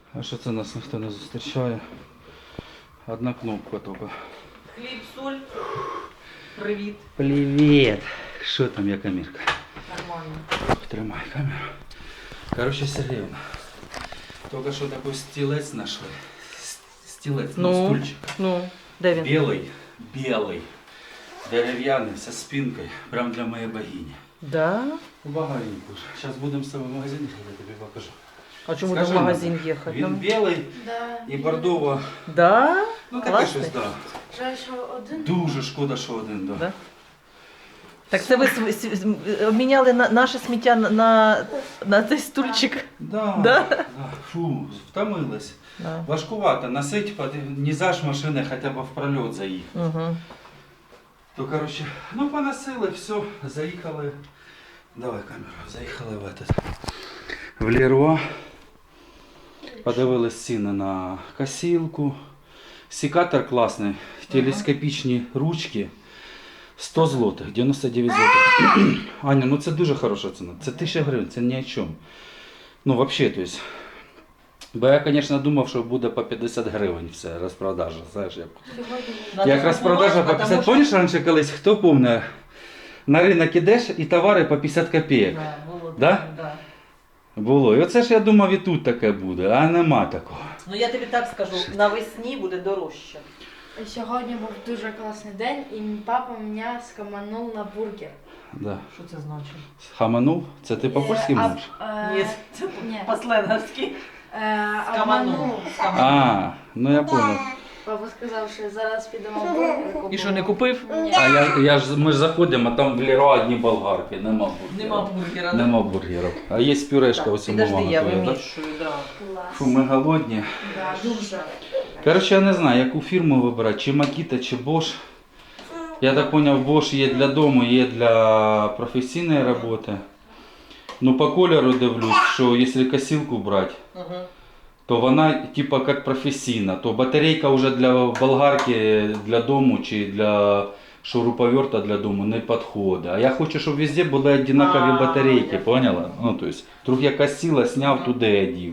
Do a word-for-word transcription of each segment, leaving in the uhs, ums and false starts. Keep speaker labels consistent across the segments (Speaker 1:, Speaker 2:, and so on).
Speaker 1: А що це нас ніхто не зустрічає? Одна кнопка тільки.
Speaker 2: Хліб, соль. Привіт.
Speaker 1: Привіт! Що там, яка мірка?
Speaker 2: Нормально.
Speaker 1: Тримай камеру. Короче, Сергеевна, только что такой стилец нашли. Стилец, ну,
Speaker 2: Ну,
Speaker 1: стульчик.
Speaker 2: ну, де він?
Speaker 1: Белый, белый, деревянный, со спинкой, прям для моей богини.
Speaker 2: Да?
Speaker 1: Багареньку. Сейчас будем с тобой в магазин, я тебе покажу.
Speaker 2: А чому
Speaker 1: Скажи
Speaker 2: до в магазин
Speaker 1: нам,
Speaker 2: їхати?
Speaker 1: Він
Speaker 2: Нам?
Speaker 1: белый
Speaker 3: Да.
Speaker 1: і бордово.
Speaker 2: Да?
Speaker 1: Ну таке
Speaker 2: Класний?
Speaker 1: щось, да.
Speaker 3: Жаль, що один.
Speaker 1: Дуже шкода, що один, да.
Speaker 2: Да? Так це ви св- св- обміняли на, наше сміття на, на, на цей стульчик?
Speaker 1: Да,
Speaker 2: Да?
Speaker 1: да. Фу, втомилась.
Speaker 2: Да.
Speaker 1: Важкувато носить, под- не заж машини, хоча б в прольот заїхати.
Speaker 2: Угу.
Speaker 1: То, короче, ну поносили, все, заїхали. Давай камеру, заїхали в этот. В Леруа. Подивились ціни на косілку. Секатор класний, телескопічні ручки. сто злотих, дев'яносто дев'ять злотих. Аня, ну це дуже хороша ціна. Це тисяча гривень, це ні о чому. Ну, взагалі, то есть. Бо я, звісно, думав, що буде по п'ятдесят гривень все, розпродажа. Знаєш, як.
Speaker 3: Сьогодні.
Speaker 1: Як розпродажа по п'ятдесят. Помниш раніше колись, хто пам'ятає, на ринок ідеш і товари по п'ятдесят копійок.
Speaker 2: Да, було,
Speaker 1: Да?
Speaker 2: Да.
Speaker 1: Було. І оце ж я думав і тут таке буде, а нема такого.
Speaker 2: Ну я тобі так скажу, навесні буде дорожче.
Speaker 3: Сьогодні був дуже класний день, і мій папа мене скаманув на бургер.
Speaker 1: Да.
Speaker 2: Що це значить?
Speaker 1: Хаманув? Це ти по-польськи
Speaker 3: Е, а-
Speaker 1: можеш?
Speaker 3: е,
Speaker 2: Ні, це
Speaker 3: ні.
Speaker 2: по-сленговськи.
Speaker 3: Е,
Speaker 2: Скаманув.
Speaker 3: обманув.
Speaker 1: А, ну я понял.
Speaker 3: Папа сказав, що зараз підемо в бургер купимо.
Speaker 2: І що, не купив?
Speaker 3: Ні.
Speaker 1: А я, я ж, ми ж заходимо, а там в Леруа одні болгарки, нема бургерів.
Speaker 2: Нема бургера. да?
Speaker 1: Нема бургерів. А є пюрешка
Speaker 2: Так,
Speaker 1: ось у
Speaker 2: підожди,
Speaker 1: мама
Speaker 2: я
Speaker 1: готує, да?
Speaker 2: вимішую, да.
Speaker 3: Клас.
Speaker 1: Фу, ми голодні.
Speaker 3: Да, дуже.
Speaker 1: Короче, я не знаю, яку фірму вибирати, чи Makita, чи Bosch. Я так понял, Bosch є для дому, є для професійної роботи. Ну по кольору дивлюсь, що якщо косилку брати,
Speaker 2: Угу.
Speaker 1: то вона типа як професійна, то батарейка вже для болгарки, для дому чи для шуруповерта для дому не підходить. А я хочу, щоб везде були однакові
Speaker 2: А,
Speaker 1: батарейки,
Speaker 2: я
Speaker 1: поняла? Ну, то есть, вдруг я косила, сняв,
Speaker 2: Мгм.
Speaker 1: туди одів.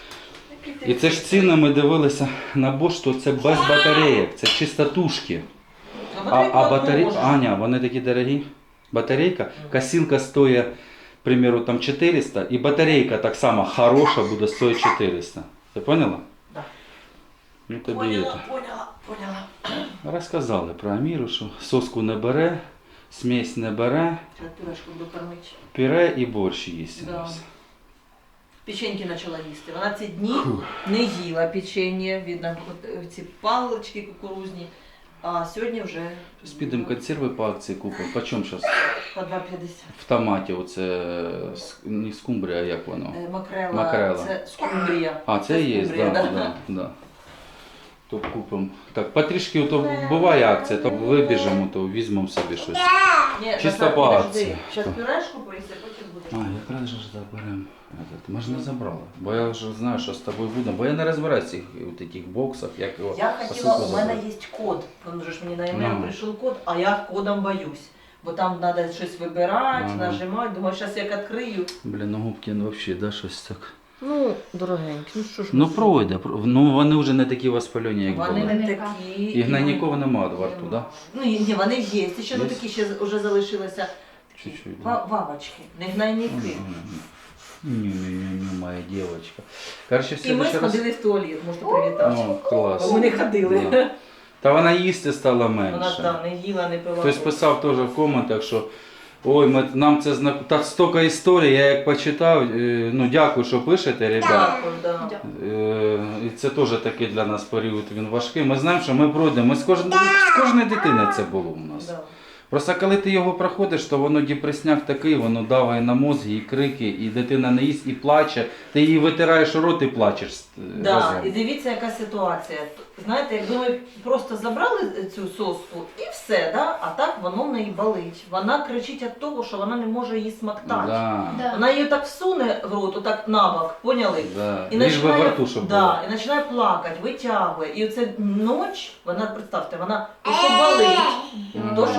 Speaker 1: І це ж ціни ми дивилися на Bosch, то це без батарейок, це чисто тушки. А, а батарей... Аня, вони такі дорогі. Батарейка, косилка стоїть, к примеру, там чотириста, і батарейка так само хороша буде стоїть чотириста. Ти поняла?
Speaker 2: Да.
Speaker 1: Ну тобі
Speaker 2: Поняла,
Speaker 1: это.
Speaker 2: поняла, поняла.
Speaker 1: Розказали про Аміру, що соску не бере, смесь не бере,
Speaker 2: Зараз пюрешку буду кормити.
Speaker 1: пюре і борщ їсть.
Speaker 2: Да. Печеньки почала їсти. Вона ці дні не їла печення, видно, от ці палички кукурузні. А сьогодні вже
Speaker 1: Підемо консерви по акції купимо. Почем зараз?
Speaker 2: по два п'ятдесят.
Speaker 1: В томаті оце с- не скумбрія, а як воно?
Speaker 2: Е, Макрела,
Speaker 1: Макрела.
Speaker 2: це скумбрія.
Speaker 1: А, це є,
Speaker 2: скумбрія,
Speaker 1: да, да, да. То купимо. Так, потрішки то буває акція, то вибіжемо, то візьмемо собі щось.
Speaker 2: Ні,
Speaker 1: Чисто
Speaker 2: Назар,
Speaker 1: по
Speaker 2: підожди.
Speaker 1: акції.
Speaker 2: Зараз пюрешку поїсти, потім
Speaker 1: А,
Speaker 2: буде.
Speaker 1: якраз же ж заберемо. Ми ж не забрали. Бо я вже знаю, що з тобою буде. Бо я не розбираюся в цих у таких боксах, як його
Speaker 2: Я хотіла,
Speaker 1: посилку
Speaker 2: у мене
Speaker 1: забрати.
Speaker 2: є код. Він же ж мені на емейл
Speaker 1: Ну.
Speaker 2: прийшов код, а я кодом боюсь. Бо там треба щось вибирати,
Speaker 1: Ага.
Speaker 2: нажимати. Думаю, зараз як відкрию.
Speaker 1: Блін, ну Губкін взагалі, да, щось так.
Speaker 2: Ну, дорогенькі, ну що ж.
Speaker 1: Ну пройде, про- ну вони вже не такі воспалені, як
Speaker 2: Вони
Speaker 1: були.
Speaker 2: не такі.
Speaker 1: І гнойників нема во рту, да?
Speaker 2: Ну, ні, ні, вони є. Ще ну
Speaker 1: Є?
Speaker 2: такі ще вже залишилися
Speaker 1: Чуть-чуть.
Speaker 2: ва- вавочки, не гнойники.
Speaker 1: Не-не-не, моя девочка. Короче, в
Speaker 2: І ми
Speaker 1: следующий раз...
Speaker 2: сходили в туалет, можна привітати.
Speaker 1: О, клас.
Speaker 2: Бо ми не ходили.
Speaker 1: Да. Та вона їсти стала
Speaker 2: Вона ж
Speaker 1: менше.
Speaker 2: да, не їла, не пила.
Speaker 1: Хтось писав теж в коментах, що ой, ми, нам це знак... Так стільки історій, я як почитав, е, ну дякую, що пишете, ребят.
Speaker 2: Дякую, да.
Speaker 3: Дякую.
Speaker 1: Е, І це теж такий для нас період, він важкий. Ми знаємо, що ми пройдемо. Ми з, кожн... з кожної дитини це було у нас.
Speaker 2: Да.
Speaker 1: Просто коли ти його проходиш, то воно депресняк такий, воно даває на мозги, і крики, і дитина не їсть, і плаче. Ти її витираєш у рот і плачеш е,
Speaker 2: Да,
Speaker 1: разом.
Speaker 2: і дивіться, яка ситуація. Знаєте, якби ми просто забрали цю соску і все, да? А так воно в неї болить. Вона кричить від того, що вона не може її смактати.
Speaker 1: Да.
Speaker 3: Да.
Speaker 2: Вона її так всуне в рот, отак набок, поняли?
Speaker 1: Да.
Speaker 2: І
Speaker 1: Лиш би во
Speaker 2: починає,
Speaker 1: рту, щоб
Speaker 2: да,
Speaker 1: було.
Speaker 2: і починає плакати, витягує. І оце ніч, вона, представте, вона то, що болить, то, що болить,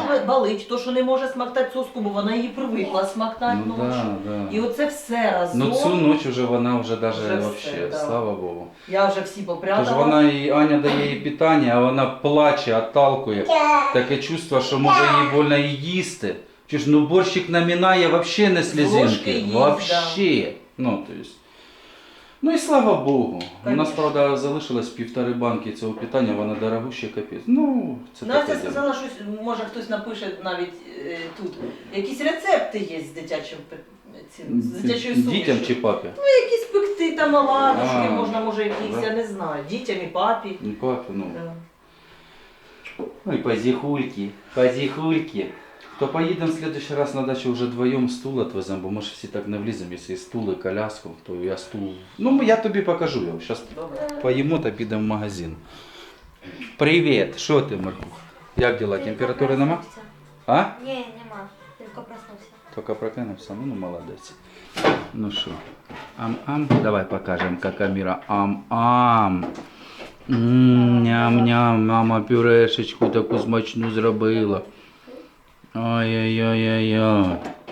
Speaker 2: болить, то, що не може смактати соску, бо вона її привикла смактати
Speaker 1: Ну
Speaker 2: ночі.
Speaker 1: да, да.
Speaker 2: І оце все разом.
Speaker 1: Ну цю ніч вже вона вже даже
Speaker 2: Вже все,
Speaker 1: вообще,
Speaker 2: да.
Speaker 1: слава Богу.
Speaker 2: Я вже всі попрятала.
Speaker 1: Тож вона і Аня дає їй питання, а вона плаче, отталкує. Таке чувство, що може їй больно і їсти. Чи ж ну борщик намінає вообще не
Speaker 2: Ложки
Speaker 1: слізинки.
Speaker 2: їсть,
Speaker 1: Вообще. Ну, то есть. Ну і слава Богу. У нас,
Speaker 2: Конечно.
Speaker 1: правда, залишилось півтори банки цього питання, вона дорогуща капець. Ну, це
Speaker 2: Настя
Speaker 1: таке діло.
Speaker 2: сказала, що може хтось напише навіть е, тут. Якісь рецепти є з дитячим пи- цим, з дитячою сумішю.
Speaker 1: Дітям чи папі?
Speaker 2: Ну, якісь пекти там оладушки,
Speaker 1: А,
Speaker 2: можна, може, якісь,
Speaker 1: да.
Speaker 2: я не знаю. Дітям і папі.
Speaker 1: Ну, папі, ну.
Speaker 2: Да.
Speaker 1: Ой, позіхульки, позіхульки. То поїдемо в следующий раз на дачу вже вдвоєм стул отвеземо, бо ми ж всі так не вліземо, якщо і стул, і коляску, то я стул. Ну, я тобі покажу його. Зараз
Speaker 2: Добре.
Speaker 1: поїмо та підемо в магазин. Привіт, що ти, Маркух? Як діла? Температури нема? А?
Speaker 4: Ні, нема. Тільки проснувся.
Speaker 1: Тільки прокинувся, ну, ну молодець. Ну що, ам-ам, давай покажемо, яка міра. Ам-ам. М, Ням-ням, мама пюрешечку таку смачну зробила. Ой-ой-ой-ой-ой.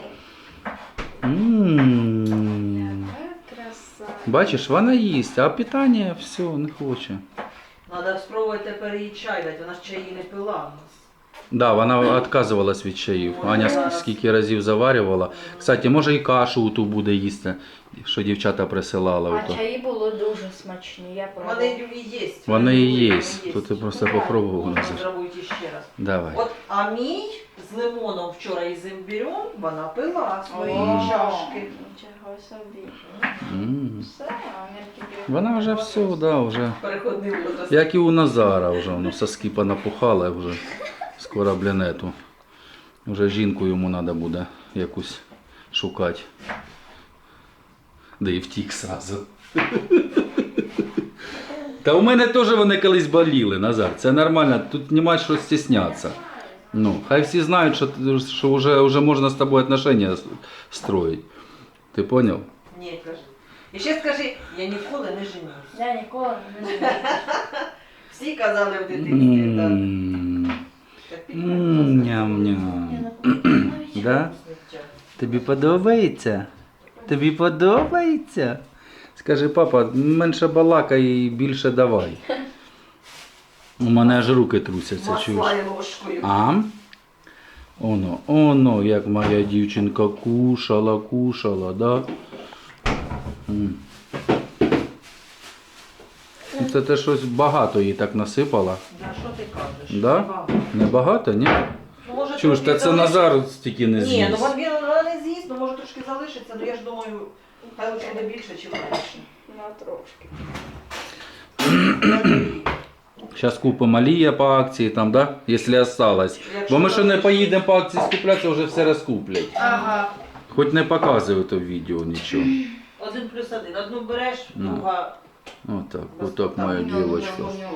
Speaker 1: М.
Speaker 3: Какая краса.
Speaker 1: Бачиш, вона їсть, а питання все, не хоче.
Speaker 2: Треба спробувати тепер її чай дати, вона ж чаї не пила в нас.
Speaker 1: Да, вона відказувалась від чаїв. Аня ск- скільки разів заварювала. Кстати, може і кашу ту буде їсти, що дівчата присилали.
Speaker 3: А
Speaker 1: ото.
Speaker 3: чаї було дуже смачні, я пробувала.
Speaker 2: Вони і є.
Speaker 1: Вони і є.
Speaker 2: Вони
Speaker 1: То ти просто
Speaker 3: Ну,
Speaker 1: попробував.
Speaker 2: Можна
Speaker 1: Назар.
Speaker 2: зробити ще раз.
Speaker 1: Давай.
Speaker 2: От, а мій з лимоном вчора і з імбирем, вона пила свої
Speaker 3: О,
Speaker 2: чашки.
Speaker 3: Нічого собі.
Speaker 1: М.
Speaker 3: Все, а Амірки
Speaker 1: Вона вже все, да, вже.
Speaker 2: Переходний возраст.
Speaker 1: Як і у Назара вже, воно соски понапухали вже. Скоро, блін, ету. Вже жінку йому треба буде якусь шукати. Да і втік сразу. Та у мене теж вони колись боліли, Назар. Це нормально, тут нема що стіснятися. Ну, хай всі знають, що, що вже, вже можна з тобою отношения строїти. Ти поняв?
Speaker 2: Ні, кажи. І ще скажи, я ніколи не женюсь.
Speaker 3: Я ніколи не знаю.
Speaker 2: Всі казали в дитинстві, так.
Speaker 1: М.
Speaker 2: Так
Speaker 1: М,
Speaker 2: підходить.
Speaker 1: Ням-ням. Да? Тобі подобається? Тобі подобається? Скажи, папа, менше балакай і більше давай. У мене аж руки трусяться, чуєш?
Speaker 2: Масла і ложкою.
Speaker 1: А? Оно, оно, як моя дівчинка кушала, кушала, да? М. Ну, Це ти щось багато їй так насипала.
Speaker 2: Да, що ти кажеш?
Speaker 1: Да?
Speaker 2: Багато.
Speaker 1: Небагато, ні?
Speaker 2: Ну, може,
Speaker 1: Чуєш,
Speaker 2: трошки
Speaker 1: та це
Speaker 2: залиш-
Speaker 1: Назар стільки не
Speaker 2: Ні,
Speaker 1: з'їсть.
Speaker 2: ну вон він вона не з'їсть, ну може трошки залишиться, ну я ж думаю, хай лише буде більше, чи менше.
Speaker 3: Ну, трошки.
Speaker 1: Зараз купимо Алія по акції, там, да? Якщо осталось.
Speaker 2: Якщо
Speaker 1: Бо ми ще не
Speaker 2: залишиться.
Speaker 1: поїдемо по акції скуплятися, вже все розкуплять.
Speaker 3: Ага.
Speaker 1: Хоч не показують то в відео нічого.
Speaker 2: Один плюс один. Одну береш,
Speaker 1: Ну.
Speaker 2: друга.
Speaker 1: Отак, отак моя
Speaker 2: Ну, ну,
Speaker 1: дівчинка.
Speaker 2: ну, ну.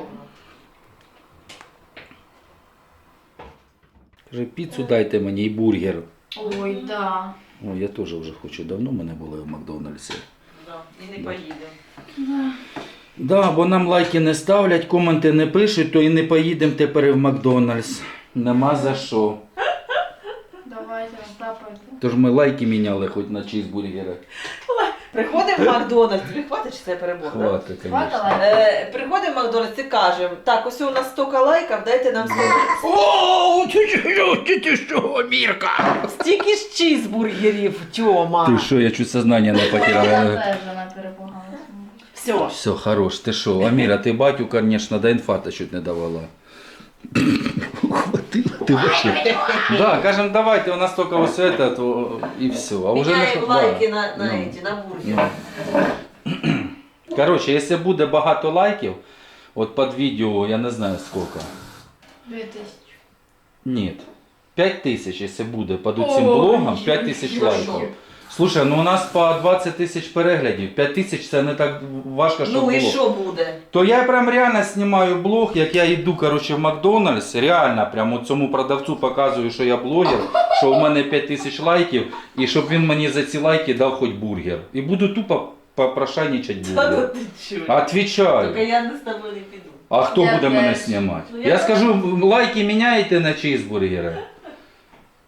Speaker 1: Каже, піцу дайте мені і бургер.
Speaker 3: Ой, да.
Speaker 1: О, я теж вже хочу. Давно мене були в Макдональдсі.
Speaker 2: Да, і не поїдемо.
Speaker 1: Да, бо нам лайки не ставлять, коменти не пишуть, то і не поїдемо тепер в Макдональдс. Нема за що.
Speaker 3: Давайте, тапайте.
Speaker 1: Тож ми лайки міняли хоч на чизбургери.
Speaker 2: Приходимо в Макдональдс, тобі хватить чи це перебор? да?
Speaker 1: Хватить, звісно.
Speaker 3: Хватало?
Speaker 2: Е, приходимо в Макдональдс і кажемо, так, ось у нас стільки лайків, дайте нам стільки,
Speaker 1: О, ти що, ти, ти що, Мірка?
Speaker 2: стільки ж чізбургерів, Тьома.
Speaker 1: Ти що, я чуть сознання не
Speaker 3: Я
Speaker 1: потеряла.
Speaker 3: теж вона перепугалась.
Speaker 2: Все.
Speaker 1: Все, хорош, ти що, Аміра, ти батю, конечно, до інфаркта чуть не давала. Хватило, ти вообще. Да, кажем, давайте, у нас только ось это, то і все. А уже
Speaker 2: Міняємо лайки на, на,
Speaker 1: Ну.
Speaker 2: эти, на бургер.
Speaker 1: Ну. Короче, якщо буде багато лайків, от під відео, я не знаю скільки.
Speaker 3: Дві тисячі.
Speaker 1: Ні. п'ять тисяч, якщо буде під
Speaker 3: Ой,
Speaker 1: цим блогом, п'ять тисяч
Speaker 2: хорошо.
Speaker 1: лайків. Слушай, ну у нас по двадцять тисяч переглядів. п'ять тисяч це не так важко, щоб
Speaker 2: Ну і
Speaker 1: було.
Speaker 2: що буде?
Speaker 1: То я прям реально знімаю блог, як я йду короче, в Макдональдс, реально прям цьому продавцю показую, що я блогер, що в мене п'ять тисяч лайків, і щоб він мені за ці лайки дав хоч бургер. І буду тупо попрошайничать
Speaker 2: Та ну
Speaker 1: бургер.
Speaker 2: ти чуєш.
Speaker 1: Отвічаю.
Speaker 2: Тільки я не з тобою не піду.
Speaker 1: А хто
Speaker 3: Я
Speaker 1: буде мене
Speaker 3: теж.
Speaker 1: знімати?
Speaker 2: Ну,
Speaker 1: Я
Speaker 2: я-
Speaker 1: скажу, лайки міняєте на чизбургери?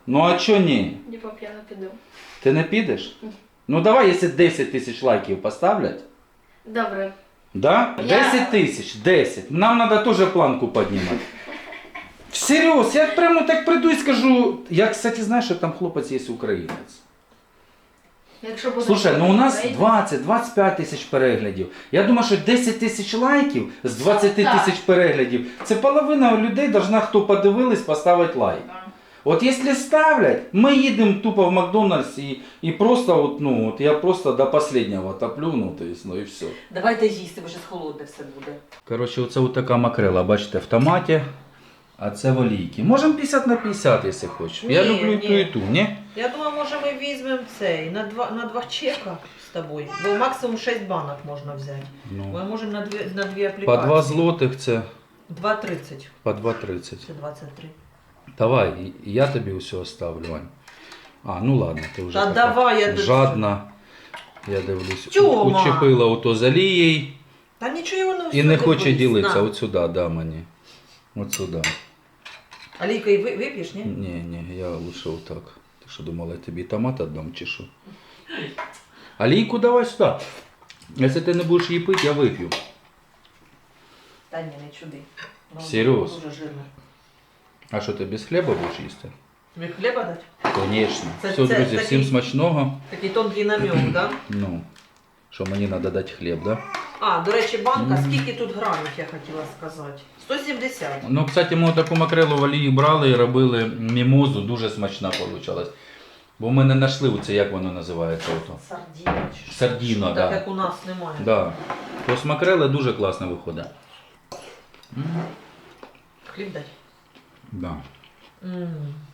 Speaker 1: Ну а чо ні?
Speaker 3: Не пап, я не піду.
Speaker 1: Ти не підеш? Ну давай, якщо десять тисяч лайків поставлять.
Speaker 3: Добре.
Speaker 1: Да?
Speaker 3: Я-
Speaker 1: десять тисяч, десять. Нам треба теж планку піднімати. Всерйоз, я прямо так прийду і скажу. Я, кстати, знаю, що там хлопець є українець.
Speaker 3: Якщо буде...
Speaker 1: Слушай, ну у нас
Speaker 3: рейтинг,
Speaker 1: двадцять-двадцять п'ять тисяч переглядів. Я думаю, що десять тисяч лайків з двадцять тисяч переглядів, це половина людей должна, хто подивились, поставити лайк.
Speaker 3: да.
Speaker 1: От якщо ставлять, ми їдемо тупо в Макдональдс і, і просто, от, ну, от я просто до останнього топлю, ну, то есть, ну і все.
Speaker 2: Давайте їсти, бо зараз холодне все буде.
Speaker 1: Коротше, оце от така макрела, бачите, в томаті, а це в олійки. Можемо п'ятдесят на п'ятдесят, якщо хочеш. Я
Speaker 2: Ні,
Speaker 1: люблю і ту,
Speaker 2: ні.
Speaker 1: і ту, ні?
Speaker 2: Я думаю, може ми візьмемо цей на два на два чека з тобою, бо максимум шість банок можна взяти. Ми
Speaker 1: Ну,
Speaker 2: можемо на дві на дві
Speaker 1: по
Speaker 2: аплікації.
Speaker 1: два злотих це
Speaker 2: два тридцять.
Speaker 1: по два тридцять.
Speaker 2: Це двадцять три.
Speaker 1: Давай, я тобі все оставлю, Вань. А, ну ладно, ти вже
Speaker 2: Та
Speaker 1: така
Speaker 2: давай, я тут-
Speaker 1: жадна. Я дивлюсь.
Speaker 2: Тьома!
Speaker 1: Учепила ото з олією
Speaker 2: Та нічого воно
Speaker 1: і не
Speaker 2: всюди
Speaker 1: хоче
Speaker 2: вийде.
Speaker 1: ділитися.
Speaker 2: На.
Speaker 1: От сюди, да, мені. От сюди.
Speaker 2: Алійка, і ви, вип'єш, ні?
Speaker 1: Ні, ні, я лише отак. Ти що думала, я тобі томат віддам чи що? Олійку давай сюди. Якщо ти не будеш її пити, я вип'ю.
Speaker 2: Та ні, не чуди. Ну,
Speaker 1: Серйоз?
Speaker 2: Дуже жирно.
Speaker 1: А що, ти без хліба будеш їсти?
Speaker 2: Тобі хліба дати?
Speaker 1: Звісно.
Speaker 2: Це-
Speaker 1: Все,
Speaker 2: це
Speaker 1: друзі,
Speaker 2: такий-
Speaker 1: всім смачного.
Speaker 2: Такий тонкий намек, да?
Speaker 1: Ну, що мені треба дати хліб, да?
Speaker 2: А, до речі, банка,
Speaker 1: Мгм.
Speaker 2: скільки тут грамів, я хотіла сказати? сто сімдесят.
Speaker 1: Ну, кстати, ми таку макрелу в олії брали і робили мімозу, дуже смачна вийшла. Бо ми не знайшли оце, як воно називається. Ото.
Speaker 2: Сардіна чи що?
Speaker 1: Сардіна,
Speaker 2: Так
Speaker 1: да.
Speaker 2: як у нас немає.
Speaker 1: Да. Ось макрели дуже класно виходить. М,
Speaker 2: Хліб дать?
Speaker 1: Да.
Speaker 2: М.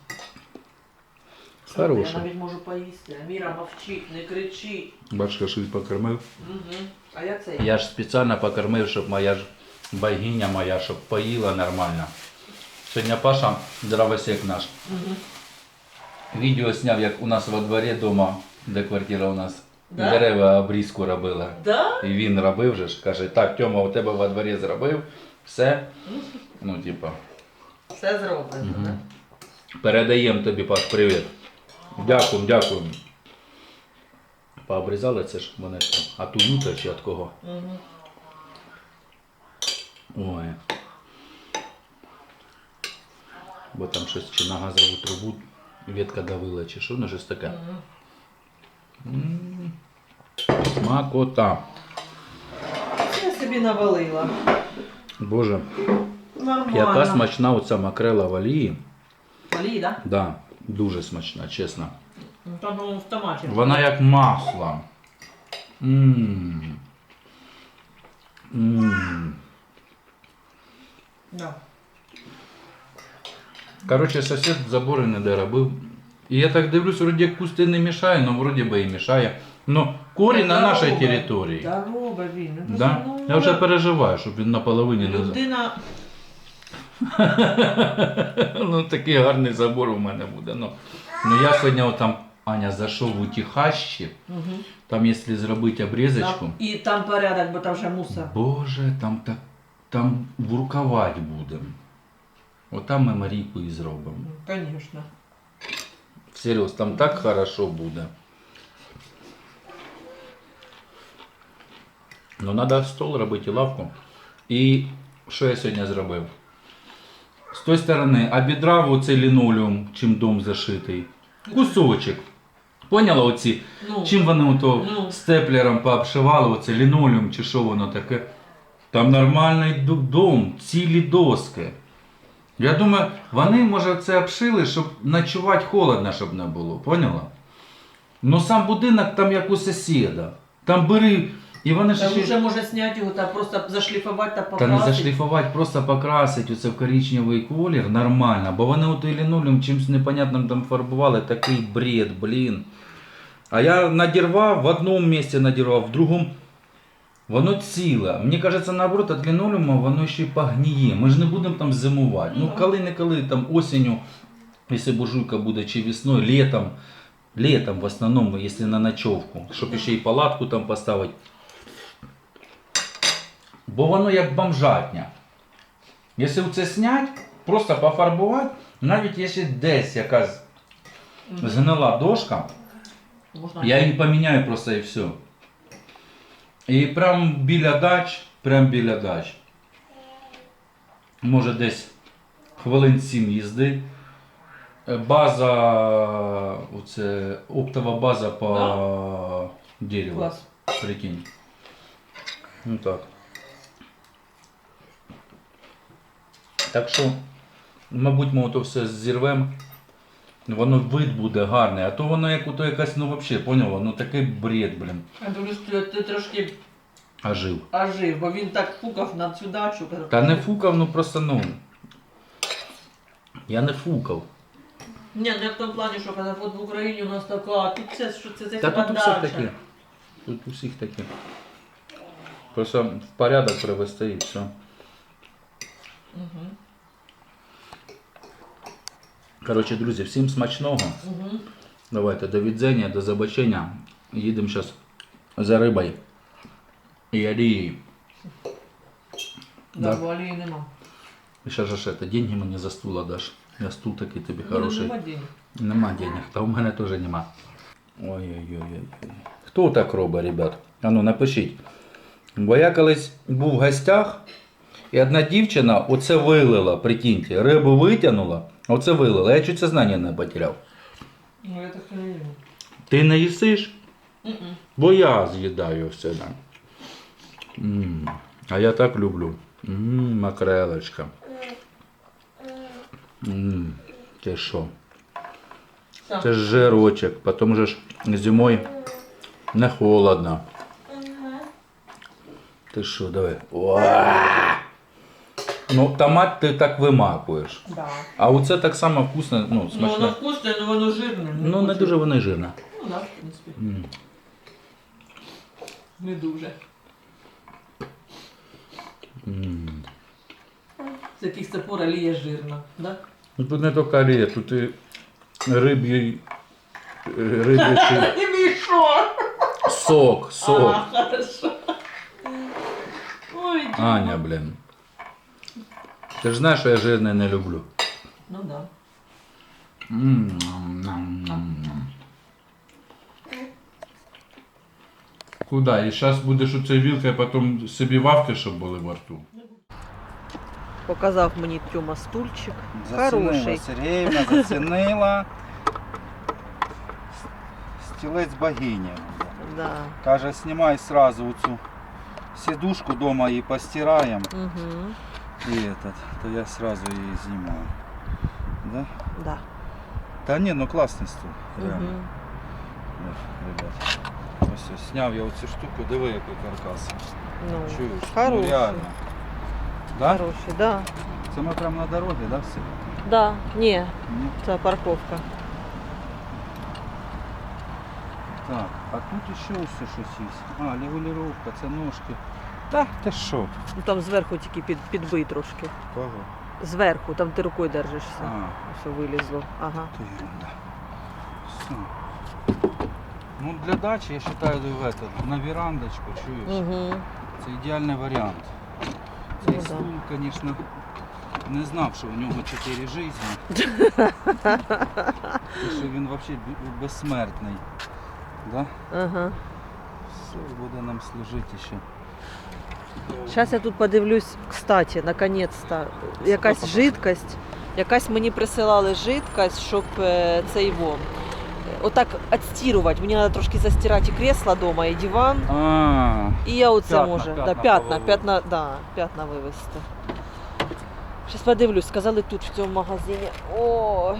Speaker 1: Хороше.
Speaker 2: Я навіть можу поїсти. Міра мовчить, не кричить.
Speaker 1: Бачиш, що покормив.
Speaker 2: Угу. А я це?
Speaker 1: Я ж спеціально покормив, щоб моя ж богиня моя, щоб поїла нормально. Сьогодні Паша, дровосек наш,
Speaker 2: Угу.
Speaker 1: відео зняв, як у нас во дворі вдома, де квартира у нас,
Speaker 2: Да?
Speaker 1: дерева обрізку робили.
Speaker 2: Да?
Speaker 1: І він робив же ж, каже, так, Тьома, у тебе во дворі зробив, все. Ну, типа,
Speaker 2: Все зроблено,
Speaker 1: Мгм.
Speaker 2: да?
Speaker 1: передаємо тобі, Паш, привіт. Дякуємо, дякуємо. Пообрізали це ж вони ж, а ту юта чи від кого?
Speaker 2: Угу.
Speaker 1: Ой. Бо там щось чи на газову трубу ветка давила, чи що, ну щось таке.
Speaker 2: Угу.
Speaker 1: М, Смакота.
Speaker 2: Я собі навалила.
Speaker 1: Боже,
Speaker 2: Нормально.
Speaker 1: яка смачна оця макрела в олії.
Speaker 2: Олій, да?
Speaker 1: Да, дуже смачна, чесно.
Speaker 2: Ну, там воно в томаті.
Speaker 1: Вона як масло. Ммм. Ммм.
Speaker 2: Да.
Speaker 1: Коротше, сусід забори не де робив. І я так дивлюсь, вроді як кусти не мішає, але вроді би і мішає. Ну, корінь на нашій території.
Speaker 2: Здорово, він. Ну,
Speaker 1: Да?
Speaker 2: ну,
Speaker 1: Я вже переживаю, щоб він на половині не...
Speaker 2: Людина.
Speaker 1: Ну, такий гарний забор у мене буде. Ну, ну я сьогодні от там, Аня, зайшов у ті хащі,
Speaker 2: Угу.
Speaker 1: там якщо зробити обрізочку,
Speaker 2: І там порядок, бо там вже мусор.
Speaker 1: Боже, там так, там вуркувати будемо. Отам ми Марійку і зробимо.
Speaker 2: Звісно.
Speaker 1: Серйоз, там так хорошо буде. Ну, треба стол робити, і лавку. І що я сьогодні зробив? З тої сторони обідрав оцей лінолеум, чим дом зашитий. Кусочок. Поняла оці?
Speaker 2: Ну,
Speaker 1: Чим вони ото
Speaker 2: Ну.
Speaker 1: степлером пообшивали, оце лінолеум чи що воно таке. Там нормальний ду- дом, цілі доски. Я думаю, вони, може, це обшили, щоб ночувати холодно, щоб не було. Поняла? Ну сам будинок там як у сусіда. Там бери, і вони
Speaker 2: Та
Speaker 1: ж ще...
Speaker 2: вже може зняти його та просто зашліфувати та
Speaker 1: Та
Speaker 2: покрасити.
Speaker 1: не зашліфувати, просто покрасити оце в коричневий колір нормально, бо вони отой лінолеум чимось непонятним там фарбували, такий бред, блін. А я надірвав, в одному місці надірвав, в другому воно ціле. Мені кажеться, наоборот, від лінолеуму воно ще й погніє. Ми ж не будемо там зимувати. Ну,
Speaker 2: Ну,
Speaker 1: коли-не-коли, там осінню, якщо буржуйка буде, чи весною, літом, літом в основному, якщо на ночовку, щоб ще й палатку там поставити. Бо воно як бомжатня. Якщо це снять, просто пофарбувати, навіть якщо десь якась
Speaker 2: Мгм.
Speaker 1: Згнила дошка,
Speaker 2: Можна.
Speaker 1: я її поміняю просто і все. І прям біля дач, прям біля дач. Може десь хвилин сім їзди. Е, База, оце оптова база по дереву.
Speaker 2: Клас.
Speaker 1: Прикинь. Ну так. Так що, мабуть, ми ото все зірвемо. Воно вид буде гарний, а то воно як ото якась, ну взагалі, поняла? Ну такий бред, блін.
Speaker 2: Я дивлюсь, ти, ти трошки
Speaker 1: А жив.
Speaker 2: ожив, бо він так фукав на цю дачу.
Speaker 1: Та не фукав, ну просто ну. Я не фукав.
Speaker 2: Ні, не в тому плані, що казав, от в Україні у нас така, а тут це, що це, це
Speaker 1: Та
Speaker 2: хіба
Speaker 1: тут у всіх
Speaker 2: дача.
Speaker 1: такі. Тут у всіх такі. Просто в порядок привести і все.
Speaker 2: Угу.
Speaker 1: Коротше, друзі, всім смачного.
Speaker 2: Угу.
Speaker 1: Давайте, до відзення, до забачення. Їдемо зараз за рибою. І олією.
Speaker 2: Да,
Speaker 1: Да.
Speaker 2: бо олії нема.
Speaker 1: І ще ж це, деньги мені за стула даш. Я стул такий тобі
Speaker 2: Ну,
Speaker 1: хороший.
Speaker 2: нема денег.
Speaker 1: Нема денег, та у мене теж нема. Ой-ой-ой. Хто так робить, ребят? А ну напишіть. Бо я колись був в гостях, і одна дівчина оце вилила, прикиньте, рибу витягнула, а оце вилила. Я чуть сознання не потеряв.
Speaker 2: Ну, я так не їм.
Speaker 1: Ти не їсиш?
Speaker 2: Мгм.
Speaker 1: Бо я з'їдаю все. Да. М, А я так люблю. М, Макрелочка. М, Ти що?
Speaker 2: Так.
Speaker 1: Це ж жирочок, потім же ж зимою не холодно. Ти що, давай. Уа! Ну, томат ти так вимакуєш.
Speaker 2: Да.
Speaker 1: А оце так само вкусно, ну,
Speaker 2: Ну, воно
Speaker 1: смачно.
Speaker 2: вкусне, але воно жирне.
Speaker 1: Ну, не
Speaker 2: хочу.
Speaker 1: дуже воно й жирне.
Speaker 2: Ну, да, в принципі.
Speaker 1: М.
Speaker 2: Не дуже.
Speaker 1: М.
Speaker 2: З яких це пор олія жирна, да?
Speaker 1: Ну, тут не тільки олія, тут і риб'ї, риб'ячий
Speaker 2: І мішо!
Speaker 1: сок, сок.
Speaker 2: А, хорошо. Ой, Діма.
Speaker 1: Аня, блін. Ти ж знаєш, що я жирне не люблю.
Speaker 2: Ну да.
Speaker 1: М, нам, нам, нам. Куда? І зараз будеш оцею вілкою, потім собі вавки, щоб були во рту.
Speaker 2: Показав мені Тьома стульчик.
Speaker 5: Зацінила
Speaker 2: Хороший.
Speaker 5: Сергіївна, зацінила. Стілець богині.
Speaker 2: Да.
Speaker 5: Каже, знімай сразу оцю сидушку дома і постираємо.
Speaker 2: Угу.
Speaker 5: І этот, то я сразу її знімаю. Да?
Speaker 2: Да.
Speaker 5: Та ні, ну класний стул. Реально.
Speaker 2: Угу.
Speaker 5: Ось, ребят. Ось ось, зняв я оцю штуку, диви який каркас.
Speaker 2: Ну,
Speaker 5: Чуєш? Ну
Speaker 2: хороший.
Speaker 5: реально. Да?
Speaker 2: Хороший, да.
Speaker 5: Це ми прямо на дорозі, да, все?
Speaker 2: Да, ні,
Speaker 5: Ні?
Speaker 2: це парковка.
Speaker 5: Так, а тут ще ось щось є. А, регулювання, це ножки. Так, ти що?
Speaker 2: Ну там зверху тільки під, підбий трошки.
Speaker 5: Кого?
Speaker 2: Зверху, там ти рукою держишся.
Speaker 5: А,
Speaker 2: Все вилізло. Ага.
Speaker 5: то ерунда. Все. Ну для дачі, я вважаю, в этот, на верандочку, чуєш?
Speaker 2: Угу.
Speaker 5: Це ідеальний варіант. Цей
Speaker 2: Ну да.
Speaker 5: стул, звісно, не знав, що у нього чотири життя. І що він взагалі безсмертний. Да?
Speaker 2: Ага.
Speaker 5: Все, буде нам служити ще.
Speaker 2: Зараз я тут подивлюсь, кстати, наконець-то, якась жидкость. Якась мені присилали жидкость, щоб е, це його. Отак відстирувати. Мені треба трошки застирати і кресло вдома, і диван.
Speaker 5: А,
Speaker 2: І я оце
Speaker 5: П'ятна,
Speaker 2: можу.
Speaker 5: п'ятна
Speaker 2: да, п'ятна,
Speaker 5: повилити.
Speaker 2: п'ятна, да, п'ятна вивезти. Зараз подивлюсь, сказали тут в цьому магазині. Ой.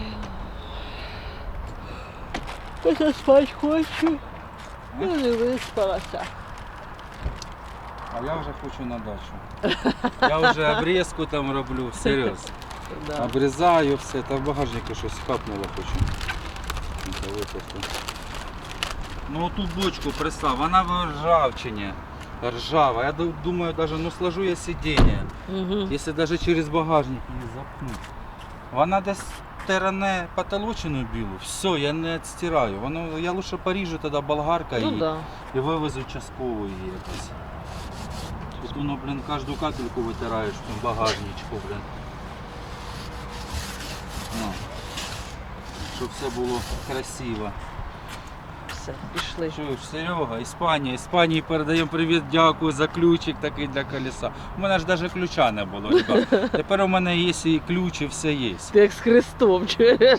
Speaker 2: Я спать хочу. Я не виспалася.
Speaker 5: а я вже хочу на дачу. Я вже обрізку там роблю, серйозно.
Speaker 2: Да.
Speaker 5: Обрізаю все, та в багажнику щось капнуло хочу. Це випусту. Ну ту бочку пристав, вона в ржавчині. Ржава. Я ду- думаю, даже, ну сложу я сидіння.
Speaker 2: Угу.
Speaker 5: Якщо даже через багажник її запну. Вона десь терене потолочену білу. Все, я не відстираю. Воно, я лише поріжу тоді болгаркою
Speaker 2: Ну
Speaker 5: і,
Speaker 2: да.
Speaker 5: і вивезу частково її якось. Тут воно, блін, кожну капельку витираєш в цьому багажничку, блін. Ну. щоб все було красиво.
Speaker 2: Все, пішли.
Speaker 5: Чуєш, Серега, Іспанія, Іспанії передаємо привіт, дякую за ключик такий для колеса. У мене ж навіть ключа не було. ребят. Тепер у мене є і ключ, і все є.
Speaker 2: Ти як з Христом, чуєш?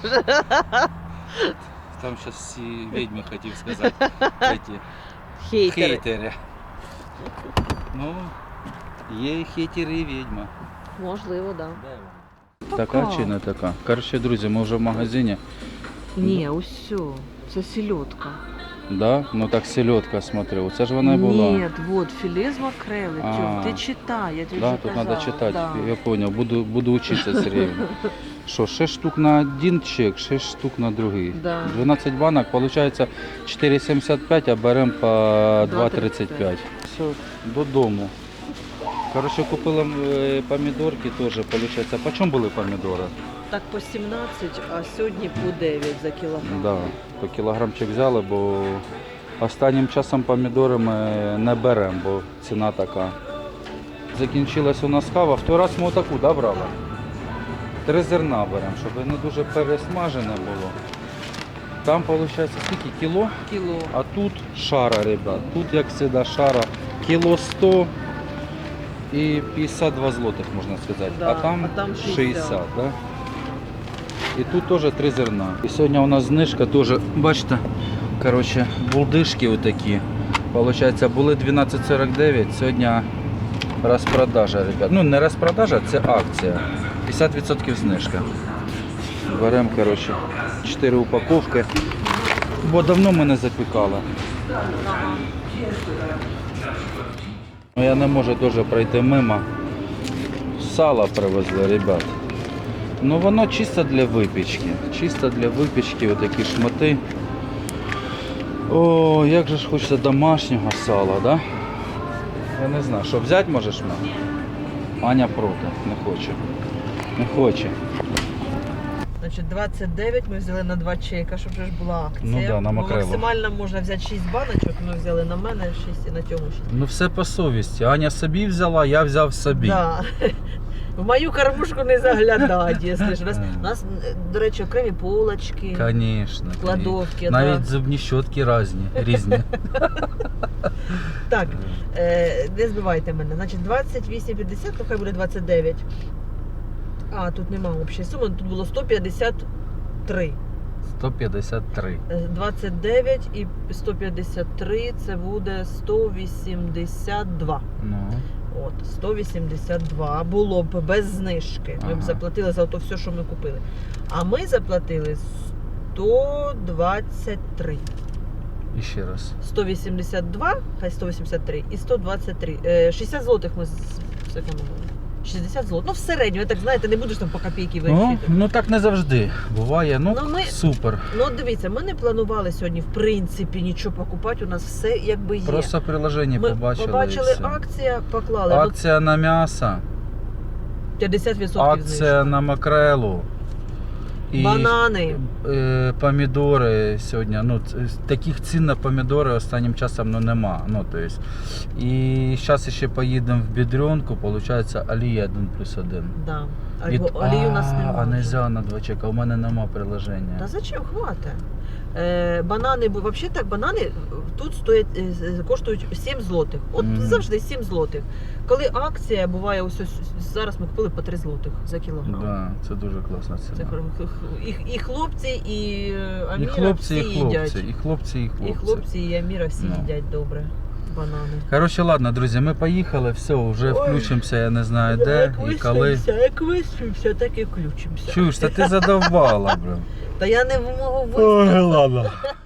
Speaker 5: Там зараз всі відьми хотів сказати. Эти,
Speaker 2: Хейтери.
Speaker 5: хейтери. Ну, є і хейтери, і відьма.
Speaker 2: Можливо, так. Да.
Speaker 1: Така чи не така? Коротше, друзі, ми вже в магазині.
Speaker 2: Ні, усьо. Це сельодка.
Speaker 1: Да? Ну так селедка, смотри, оце ж вона була.
Speaker 2: Ні, вот, філе з макрели.
Speaker 1: А.
Speaker 2: Тьом, ти читай, я тобі
Speaker 1: Да,
Speaker 2: вже
Speaker 1: тут
Speaker 2: казала.
Speaker 1: треба читати,
Speaker 2: Да.
Speaker 1: я понял, буду, буду учитися, Сергіївна. Що, шість штук на один чек, шість штук на другий.
Speaker 2: Да.
Speaker 1: дванадцять банок, виходить чотири сімдесят п'ять, а беремо по два тридцять п'ять. Все, додому. Коротше, купила е, помідорки теж, виходить. По чому були помідори?
Speaker 2: Так по сімнадцять, а сьогодні по дев'ять за кілограм.
Speaker 1: Да, по кілограмчик взяли, бо останнім часом помідори ми не беремо, бо ціна така. Закінчилась у нас кава. В той раз ми отаку, да, брали? Три зерна беремо, щоб не дуже пересмажене було. Там виходить скільки? Кіло?
Speaker 2: Кіло.
Speaker 1: А тут шара, ребят. Тут, як завжди, шара кіло сто і п'ятдесят два злотих, можна сказати.
Speaker 2: Да,
Speaker 1: а там,
Speaker 2: а там шістдесят.
Speaker 1: шістдесят, да? І тут теж три зерна. І сьогодні у нас знижка теж, бачите, коротше, булдишки отакі. Получається, були дванадцять сорок дев'ять, сьогодні розпродажа, ребят. Ну, не розпродажа, це акція. п'ятдесят відсотків знижка. Беремо, коротше, чотири упаковки. Бо давно ми не запікали. Ну, я не можу теж пройти мимо. Сало привезли, ребят. Ну воно чисто для випічки. Чисто для випічки, отакі шмати. О, як же ж хочеться домашнього сала, да? Я не знаю, що взяти можеш мене? Аня проти, не хоче. Не хоче.
Speaker 2: Значить, двадцять дев'ять ми взяли на два чека, щоб вже ж була акція.
Speaker 1: Ну да, на
Speaker 2: Бо
Speaker 1: макрелу.
Speaker 2: максимально можна взяти шість баночок, ми взяли на мене шість і на Тьому шість.
Speaker 1: Ну все по совісті. Аня собі взяла, я взяв собі.
Speaker 2: Да. В мою кормушку не заглядай, якщо ж. У нас, у нас, до речі, окремі полочки,
Speaker 1: Конечно.
Speaker 2: кладовки.
Speaker 1: Навіть
Speaker 2: да.
Speaker 1: зубні щотки різні. різні.
Speaker 2: Так, е, не збивайте мене. Значить, двадцять вісім п'ятдесят, ну хай буде двадцять дев'ять. А, тут нема общої суми, тут було сто п'ятдесят три.
Speaker 1: сто п'ятдесят три.
Speaker 2: Е, двадцять дев'ять і сто п'ятдесят три це буде сто вісімдесят два.
Speaker 1: Ну.
Speaker 2: От, сто вісімдесят два було б без знижки. Ми б
Speaker 1: Ага.
Speaker 2: заплатили за то все, що ми купили. А ми заплатили сто двадцять три.
Speaker 1: І ще раз.
Speaker 2: сто вісімдесят два, хай сто вісімдесят три і сто двадцять три. Е, шістдесят злотих ми з- зекономили. шістдесят злотих. Ну, в середньому, я так знаєте, не будеш там по копійки
Speaker 1: Ну,
Speaker 2: вирішити.
Speaker 1: ну так не завжди. Буває, ну,
Speaker 2: Ну, ми-
Speaker 1: супер.
Speaker 2: Ну, от дивіться, ми не планували сьогодні, в принципі, нічого покупати. У нас все якби є.
Speaker 1: Просто приложення
Speaker 2: ми
Speaker 1: побачили.
Speaker 2: побачили
Speaker 1: і все.
Speaker 2: акція, поклали. Ну,
Speaker 1: Акція на м'ясо,
Speaker 2: п'ятдесят відсотків
Speaker 1: акція
Speaker 2: знижки.
Speaker 1: на макрелу. І
Speaker 2: Банани.
Speaker 1: е, помідори сьогодні. Ну, ц- таких цін на помідори останнім часом ну, нема. Ну, то есть. І зараз ще поїдемо в Бідрюнку, виходить олія один плюс один.
Speaker 2: Да.
Speaker 1: Від-
Speaker 2: Альбо олії у нас
Speaker 1: А,
Speaker 2: немає.
Speaker 1: А нельзя на два чека, у мене нема приложення.
Speaker 2: Та зачем хватить? Е, банани, бо взагалі так, банани тут стоять, е, з- коштують сім злотих. От
Speaker 1: Мгм.
Speaker 2: завжди сім злотих. Коли акція буває, ось, ось зараз ми купили по три злотих за кілограм.
Speaker 1: Да, це дуже класна ціна.
Speaker 2: Це хор- х- х- і, і хлопці, і е,
Speaker 1: І
Speaker 2: Аміра
Speaker 1: хлопці, і
Speaker 2: всі
Speaker 1: хлопці,
Speaker 2: їдять.
Speaker 1: і хлопці, і хлопці.
Speaker 2: І хлопці, і Аміра всі
Speaker 1: Ну.
Speaker 2: їдять добре банани.
Speaker 1: Коротше, ладно, друзі, ми поїхали, все, вже
Speaker 2: Ой.
Speaker 1: включимося, я не знаю де
Speaker 2: як
Speaker 1: і коли.
Speaker 2: виспимося, як виспимося, так і включимося.
Speaker 1: Чуєш, та ти задовбала, блин.
Speaker 2: Та я не можу виспатися.
Speaker 1: ладно.